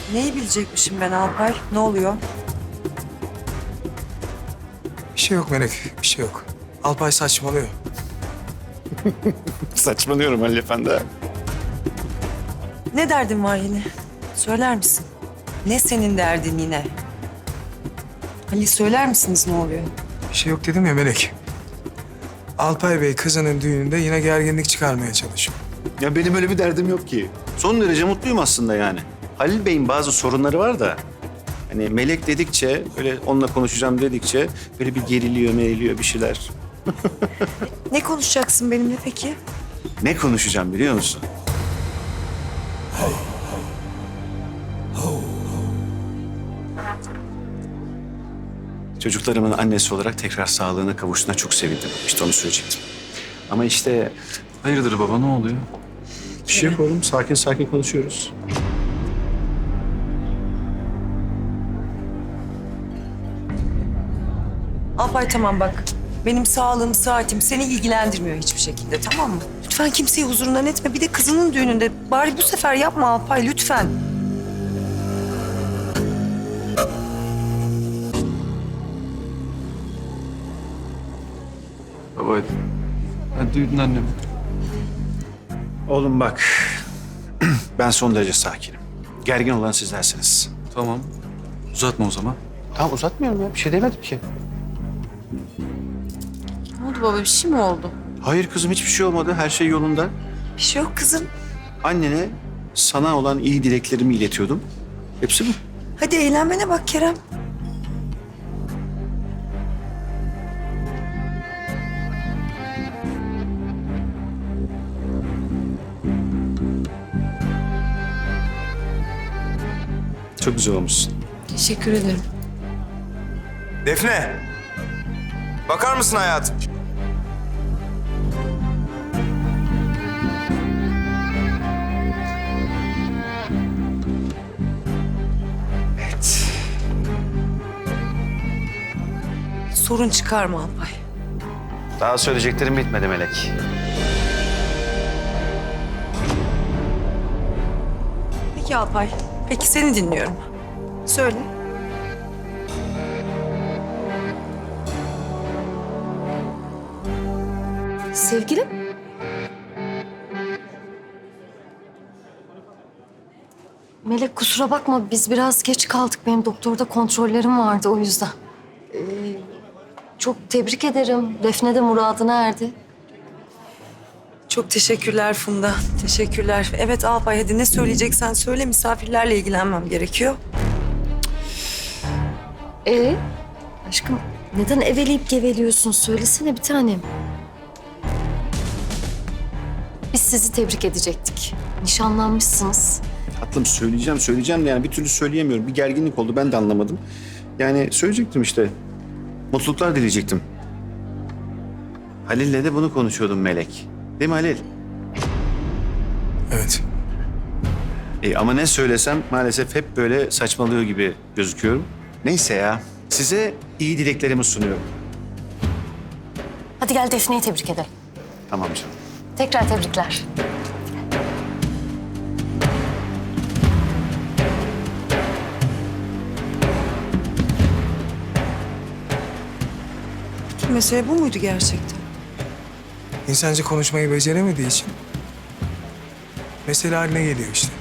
Neyi bilecekmişim ben Alpay? Ne oluyor? Bir şey yok Melek, bir şey yok. Alpay saçmalıyor. Saçmalıyorum Halil Efendi. Ne derdin var yine? Söyler misin? Ne senin derdin yine? Ali söyler misiniz ne oluyor? Bir şey yok dedim ya Melek. Alpay Bey kızının düğününde yine gerginlik çıkarmaya çalışıyor. Ya benim öyle bir derdim yok ki. Son derece mutluyum aslında yani. Halil Bey'in bazı sorunları var da... Hani Melek dedikçe, böyle onunla konuşacağım dedikçe... Böyle bir geriliyor, meriliyor bir şeyler. Ne konuşacaksın benimle peki? Ne konuşacağım biliyor musun? Çocuklarımın annesi olarak tekrar sağlığına kavuştuğuna çok sevindim. İşte onu söyleyecektim. Ama işte... Hayırdır baba, ne oluyor? Bir şey yok oğlum, sakin sakin konuşuyoruz. Alpay tamam bak. Benim sağlığım, saatim seni ilgilendirmiyor hiçbir şekilde, tamam mı? Lütfen kimseyi huzurundan etme. Bir de kızının düğününde. Bari bu sefer yapma Alpay, lütfen. Baba hadi duydun annem. Oğlum bak, ben son derece sakinim. Gergin olan sizlersiniz. Tamam. Uzatma o zaman. Tamam uzatmıyorum ya, bir şey demedim ki. Ne oldu baba, bir şey mi oldu? Hayır kızım, hiçbir şey olmadı. Her şey yolunda. Bir şey yok kızım. Annene sana olan iyi dileklerimi iletiyordum. Hepsi bu. Hadi eğlenmene bak Kerem. Çok güzel olmuşsun. Teşekkür ederim. Defne! Bakar mısın hayatım? Evet. Sorun çıkarma Alpay. Daha söyleyeceklerim bitmedi Melek. Peki Alpay. Peki seni dinliyorum. Söyle. Sevgilim? Melek kusura bakma, biz biraz geç kaldık. Benim doktorda kontrollerim vardı o yüzden. Ee, Çok tebrik ederim. Defne de muradına erdi. Çok teşekkürler Funda. Teşekkürler. Evet Alpay hadi ne söyleyeceksen söyle. Misafirlerle ilgilenmem gerekiyor. Aşkım neden eveleyip geveliyorsun? Söylesene bir tanem. Biz sizi tebrik edecektik. Nişanlanmışsınız. Tatlım söyleyeceğim de yani bir türlü söyleyemiyorum. Bir gerginlik oldu, ben de anlamadım. Yani söyleyecektim işte. Mutluluklar dileyecektim. Halil'le de bunu konuşuyordum Melek. Değil mi Halil? Evet. Ama ne söylesem maalesef hep böyle saçmalıyor gibi gözüküyorum. Neyse ya. Size iyi dileklerimi sunuyorum. Hadi gel Defne'yi tebrik edelim. Tamam canım. Tekrar tebrikler. Mesele bu muydu gerçekten? İnsancı konuşmayı beceremediği için mesele haline geliyor işte.